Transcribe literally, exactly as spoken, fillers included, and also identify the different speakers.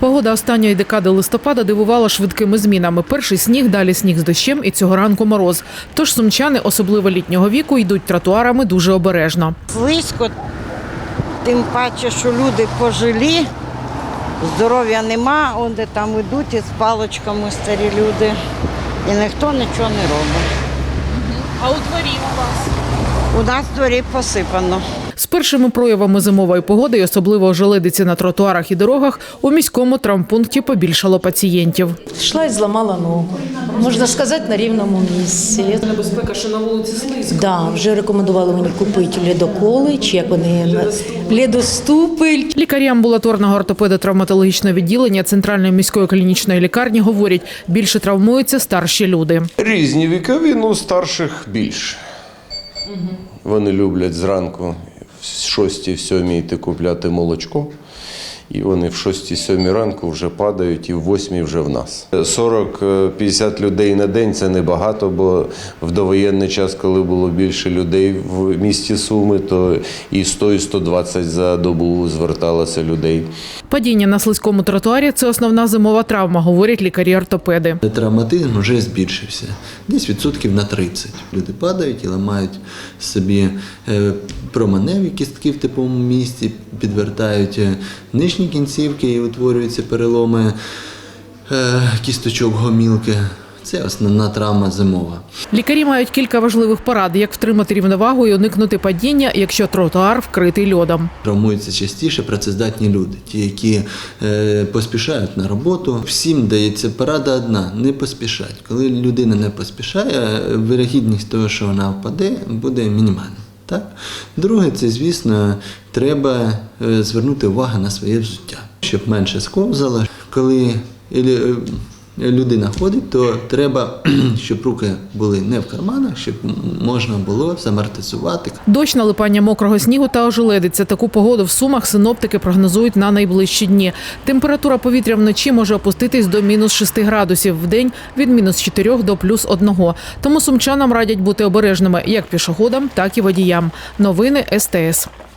Speaker 1: Погода останньої декади листопада дивувала швидкими змінами. Перший сніг, далі сніг з дощем і цього ранку мороз. Тож сумчани, особливо літнього віку, йдуть тротуарами дуже обережно.
Speaker 2: Слизько, тим паче, що люди пожилі, здоров'я нема, он де там йдуть із паличками старі люди, і ніхто нічого не робить.
Speaker 1: А у дворі у вас?
Speaker 2: У нас в дворі посипано.
Speaker 1: З першими проявами зимової погоди, і особливо ожеледиці на тротуарах і дорогах, у міському травмпункті побільшало пацієнтів.
Speaker 3: Йшла і зламала ногу. Можна сказати, на рівному місці.
Speaker 1: Небезпека, що на вулиці слизько.
Speaker 3: Да, вже рекомендували мені купити ледоколи, чи як вони ледоступи.
Speaker 1: Лікарі амбулаторного ортопедо-травматологічного відділення Центральної міської клінічної лікарні говорять, більше травмуються старші люди.
Speaker 4: Різні вікові, ну старших більше. Вони люблять зранку в шостій, в сьомій йти купляти молочко. І вони в шостій-сьомій ранку вже падають і в восьмій вже в нас. сорок-п'ятдесят людей на день – це небагато, бо в довоєнний час, коли було більше людей в місті Суми, то і сто, і сто двадцять за добу зверталося людей.
Speaker 1: Падіння на слизькому тротуарі – це основна зимова травма, говорять лікарі-ортопеди.
Speaker 5: Травматизм вже збільшився, десь відсотків на тридцять. Люди падають і ламають собі променеві кістки в теплому місці, підвертають нижні кінцівки і утворюються переломи кісточок гомілки. Це основна травма зимова.
Speaker 1: Лікарі мають кілька важливих порад, як втримати рівновагу і уникнути падіння, якщо тротуар вкритий льодом.
Speaker 5: Травмуються частіше працездатні люди, ті, які е, поспішають на роботу. Всім дається порада одна – не поспішати. Коли людина не поспішає, вирогідність того, що вона впаде, буде мінімальна. Так? Друге, це, звісно, треба звернути увагу на своє взуття, щоб менше сковзало. Коли людина ходить, то треба, щоб руки були не в карманах, щоб можна було замортизувати.
Speaker 1: Дощ, налипання мокрого снігу та ожеледиця. Таку погоду в Сумах синоптики прогнозують на найближчі дні. Температура повітря вночі може опуститись до мінус шести градусів, вдень – від мінус чотирьох до плюс одного. Тому сумчанам радять бути обережними як пішоходам, так і водіям. Новини ес те ес.